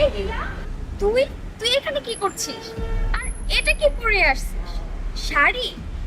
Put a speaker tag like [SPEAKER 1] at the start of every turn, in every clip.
[SPEAKER 1] এই রিয়া, তুই তুই এখানে কি করছিস? আর এটা কি পরে আসছিস? শাড়ি?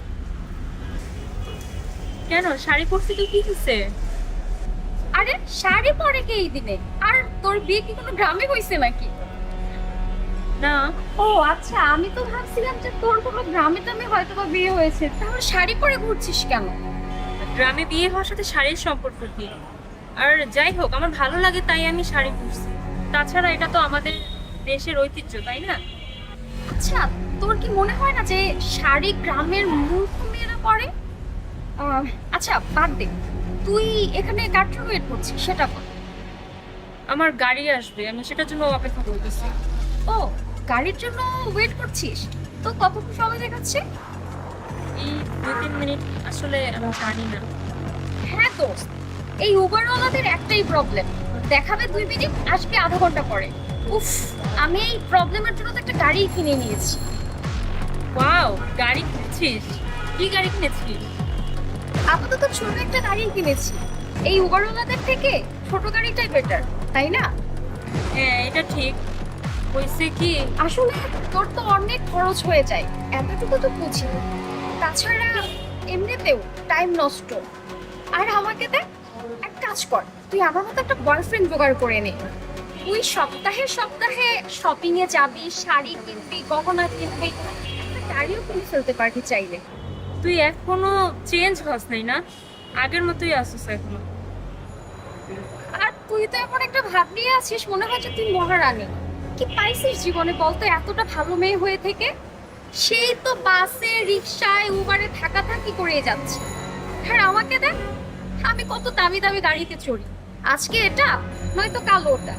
[SPEAKER 2] কেন শাড়ি পরছি তো কি হচ্ছে?
[SPEAKER 1] আরে শাড়ি পরে কে এই দিনে? আর তোর বিয়ে কি কোনো গ্রামে হইছে নাকি?
[SPEAKER 2] না,
[SPEAKER 1] ও আচ্ছা, আমি তো ভাবছিলাম যে তোর কোনো গ্রামে টামে হয়তো বা বিয়ে হয়েছে, তাহলে শাড়ি পরে ঘুরছিস কেন?
[SPEAKER 2] গ্রামে বিয়ে হওয়ার সাথে শাড়ির সম্পর্ক কি? আর যাই হোক, আমার ভালো লাগে তাই আমি শাড়ি পরছি। তাছাড়া এটা তো আমাদের দেশের ঐতিহ্য, তাই না?
[SPEAKER 1] আচ্ছা, তোর কি মনে হয় না যে শাড়ি গ্রামের মূর্খ মেয়েরা পরে? আহ, আচ্ছা বাদ দে, তুই এখানে কার জন্য ওয়েট করছিস সেটা বল।
[SPEAKER 2] আমার গাড়ি আসবে, আমি সেটার জন্য অপেক্ষা করতেছি।
[SPEAKER 1] ও, গাড়ির জন্য ওয়েট করছিস? তো কতক্ষণ সময় দেখাচ্ছে?
[SPEAKER 2] এই 2-3 মিনিট। আসলে আমি জানি না।
[SPEAKER 1] হ্যাঁ দোস্ত, এই উবারওয়ালাদের একটাই প্রবলেম, দেখাবে 2 মিনিট, আসবে আধা ঘন্টা পরে। উফ, আমি এই প্রবলেমের জন্য তো একটা গাড়ি কিনে নিয়েছি।
[SPEAKER 2] ওয়াও, গাড়ি কিনেছিস? কি গাড়ি কিনেছিস?
[SPEAKER 1] আপাতত ছোট একটা গাড়ি কিনেছি। এই উবারওয়ালাদের থেকে ছোট গাড়িটাই বেটার, তাই না?
[SPEAKER 2] হ্যাঁ, এটা ঠিক। হয়েছে কি?
[SPEAKER 1] আসলে তোর তো অনেক খরচ হয়ে যায়, এতটুকু তো বুঝি। তাছাড়া এমনিতেও টাইম নষ্ট। আর আমাকে দেখ, এক কাজ কর, তুই আমার মতো একটা বয়ফ্রেন্ড জোগাড় করে নে। তুই সপ্তাহে সপ্তাহে শপিং এ যাবি, শাড়ি কিনবি, গহনা কিনবি, একটা গাড়িও কিনে ফেলতে পারবি চাইলে।
[SPEAKER 2] তুই এখনো চেঞ্জ হস নাই না? আগের মতোই আসছিস এখনো।
[SPEAKER 1] আর তুই তো এখন একটা ভাব নিয়ে আছিস, মনে হয় যে তুই মহারানী। কি পাইছিস জীবনে বলতো এতটা ভালো মেয়ে হয়ে থেকে? সেই তো বাসে, রিক্সায়, উবারে থাকাথাকি করে যাচ্ছে। আর আমাকে দেখ, আমি কত দামি দামি গাড়িতে চড়ি, আজকে এটা নয়তো কাল ওটা।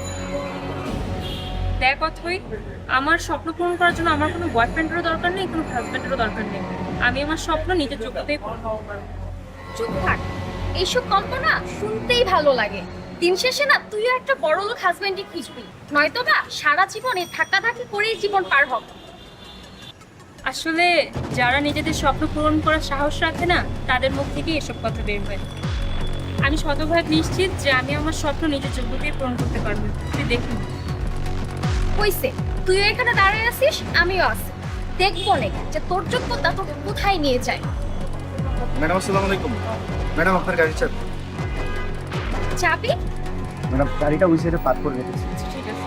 [SPEAKER 2] দেখ অথই, আমার স্বপ্ন পূরণ করার জন্য আমার কোনো বয়ফ্রেন্ডেরও দরকার নেই, কোনো হাজবেন্ডেরও দরকার নেই। আমি আমার স্বপ্ন নিজের যোগ্যতায় পূরণ করতে পারবো।
[SPEAKER 1] চুপ থাক, এইসব কল্পনা শুনতেই ভালো লাগে। দিন শেষে না তুইও একটা বড়লোক হাজবেন্ডই খুঁজবি, নয়তো বা সারা জীবন এই ধাক্কাধাক্কি করেই জীবন পার হবে।
[SPEAKER 2] আসলে যারা নিজেদের স্বপ্ন পূরণ করার সাহস রাখে না, তাদের মুখ থেকে এসব কথা বের হয়। আমি শতভাগ নিশ্চিত যে আমি আমার স্বপ্ন নিজের যোগ্যতায় পূরণ করতে পারবো। তুই দেখুন।
[SPEAKER 1] হইছে, তুইও এখানে দাঁড়িয়ে আছিস, আমিও আছি, দেখবো নে যে তোর যোগ্যতা তোকে কোথায় নিয়ে যায়।
[SPEAKER 3] ম্যাডাম আসসালামু আলাইকুম। ম্যাডাম আপনার গাড়ি চাবি।
[SPEAKER 1] চাবি?
[SPEAKER 3] ম্যাডাম গাড়িটা ওই সাইডে পার্ক করে রেখেছি।
[SPEAKER 2] ঠিক আছে,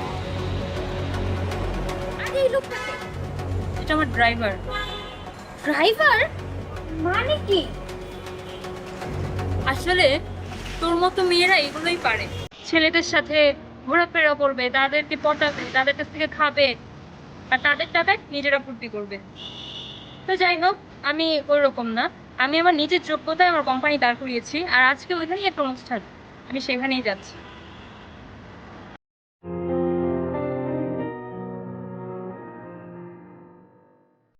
[SPEAKER 1] আরে এই লোকটাকে,
[SPEAKER 2] এটা আমার ড্রাইভার।
[SPEAKER 1] ড্রাইভার মানে কি?
[SPEAKER 2] আসলে তোর মতো মেয়েরা এগুলোই পারে। ছেলেদের সাথে ঘোরাফেরা করবে, তাদেরকে পটাবে, তাদের কাছ থেকে খাবে, আর তাদের টাকায় নিজেরা ফুর্তি করবে। তো যাই হোক, আমি ওইরকম না। আমি আমার নিজের যোগ্যতায় আমার কোম্পানি দাঁড় করিয়েছি, আর আজকে ওইখানেই একটা অনুষ্ঠান, আমি সেখানেই যাচ্ছি।